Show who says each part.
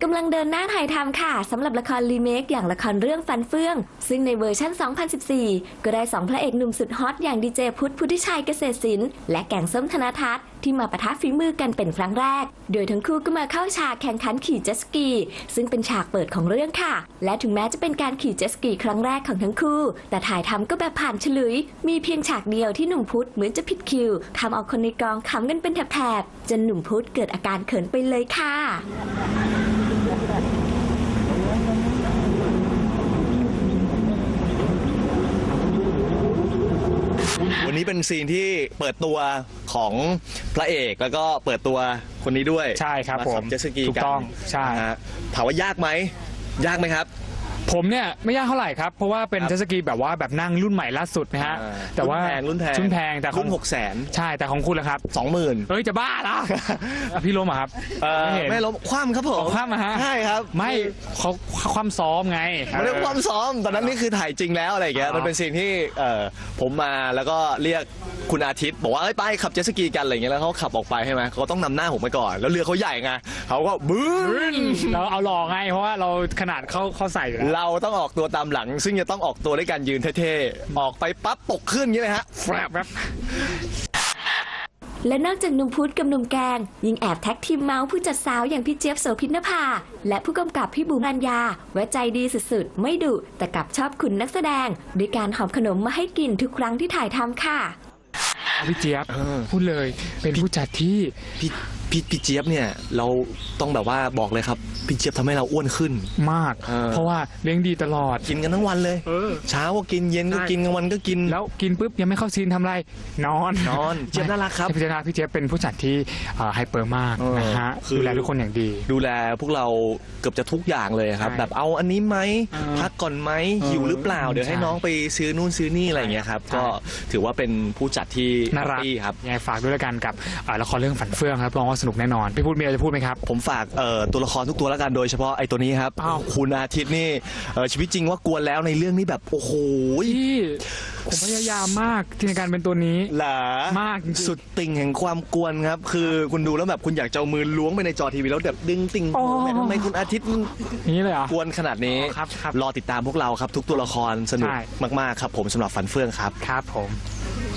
Speaker 1: กำลังเดินหน้าถ่ายทำค่ะสำหรับละครรีเมคอย่างละครเรื่องฟันเฟื่องซึ่งในเวอร์ชัน 2014 ก็ได้2พระเอกหนุ่มสุดฮอตอย่างดีเจพุทธพุทธิชัยเกษตรศิลป์และแก่งส้มธนทัศน์ที่มาปะทะฝีมือกันเป็นครั้งแรกโดยทั้งคู่ก็มาเข้าฉากแข่งขันขี่เจ็ตสกีซึ่งเป็นฉากเปิดของเรื่องค่ะและถึงแม้จะเป็นการขี่เจ็ตสกีครั้งแรกของทั้งคู่แต่ถ่ายทำก็แบบผ่านฉลุยมีเพียงฉากเดียวที่หนุ่มพุทธเหมือนจะผิดคิวทำเอาคนในกองขำกันเป็นแถบๆจนหนุ่มพุทธเกิดอาการเขินไปเลยค่ะ
Speaker 2: วันนี้เป็นซีนที่เปิดตัวของพระเอกแล้วก็เปิดตัวคนนี้ด้วย
Speaker 3: ใช่ครับผม
Speaker 2: เจ็ตสกี
Speaker 3: ถูกต้องใช่
Speaker 2: ถามว่ายากไหมครับ
Speaker 3: ผมเนี่ยไม่ยากเท่าไหร่ครับเพราะว่าเป็นเจ็ตสกีแบบว่าแบบนั่งรุ่นใหม่ล่าสุดนะฮะแต่ว่า
Speaker 2: รุ่นแพง
Speaker 3: แต่
Speaker 2: รุ่น600,00000
Speaker 3: ใช่แต่ของคุณล่ะครับ
Speaker 2: 20,000
Speaker 3: เฮ้ยจะบ้าละพี่ล้มครับ
Speaker 2: ไม่ล้มคว่ำครับผม
Speaker 3: คว่ำฮะ
Speaker 2: ใช่ครับ
Speaker 3: ไม่เขาคว่ำซ้อมไง
Speaker 2: ไม่ได้คว่ำซ้อมตอนนั้นนี่คือถ่ายจริงแล้วอะไรอย่างเงี้ยมันเป็นซีนที่ผมมาแล้วก็เรียกคุณอาทิตย์บอกว่าไปขับเจ็ตสกีกันอะไรอย่างเงี้ยแล้วเขาขับออกไปใช่ไหมเขาต้องนำหน้าผมไปก่อนแล้วเรือเขาใหญ่ไงเขาก็บึ้น
Speaker 3: เราเอาหล่อไงเพราะว่าเราขนาดเขาใส่อยู่แล้ว
Speaker 2: เราต้องออกตัวตามหลังซึ่งจะต้องออกตัวด้วยการยืนเท่ๆออกไปปั๊บตกขึ้นอย่างนี้เลยฮะแฟบ
Speaker 1: และนอกจากหนุ่มพุทธกับหนุ่มแกงยังแอบแท็กทีมเมาส์ผู้จัดสาวอย่างพี่เจี๊ยบโสภินภาและผู้กำกับพี่บูมรัญญาไว้ใจดีสุดๆไม่ดุแต่กลับชอบคุณนักแสดงด้วยการหอมขนมมาให้กินทุกครั้งที่ถ่ายทำค่ะ
Speaker 3: พี่เจี๊ยบพูดเลยเป็นผู้จัดที่
Speaker 2: พี่เจี๊ยบเนี่ยเราต้องแบบว่าบอกเลยครับพี่เจี๊ยบทำให้เราอ้วนขึ้น
Speaker 3: มากเพราะว่าเลี้ยงดีตลอด
Speaker 2: กินกันทั้งวันเลยเช้าก็กินเย็นก็กินกลางวันก็กิน
Speaker 3: แล้วกินปุ๊บยังไม่เข้าซีนทำไรนอน
Speaker 2: เจี๊ยบน่ารักครับ
Speaker 3: พี่เจี๊ยบเป็นผู้จัดที่ไฮเปอร์มากนะฮะดูแลทุกคนอย่างดี
Speaker 2: ดูแลพวกเราเกือบจะทุกอย่างเลยครับแบบเอาอันนี้ไหมพักก่อนไหมหิวหรือเปล่าเดี๋ยวให้น้องไปซื้อนู่นซื้อนี่อะไรอย่างเงี้ยครับก็ถือว่าเป็นผู้จัดที่
Speaker 3: น่ารัก
Speaker 2: ครับ
Speaker 3: ยังไงฝากด้วยละกันกับละครเรื่องฝันเฟื่องครับรองว่าสนุกแน่นอนพี่พูดมีอะไรจะพูดไหมครับ
Speaker 2: ผมฝากตัวละครทุกตัวแล้วกันโดยเฉพาะไอ้ตัวนี้ครับคุณอาทิตย์นี่ชีวิตจริงว่ากวนแล้วในเรื่องนี้แบบโอ้โห
Speaker 3: ผมพยายามมากในการเป็นตัวนี้
Speaker 2: หรอ
Speaker 3: มาก
Speaker 2: สุดติ่งแห่งความกวนครับคือคุณดูแล้วแบบคุณอยากจะเอามือล้วงไปในจอทีวีแล้วแบบดึงติ่งทำไมคุณอาทิตย์
Speaker 3: นี้เลยอ่ะ
Speaker 2: กวนขนาดนี้รอติดตามพวกเราครับทุกตัวละครสนุกมากๆครับผมสำหรับฝันเฟื่องครับ
Speaker 3: ครับผม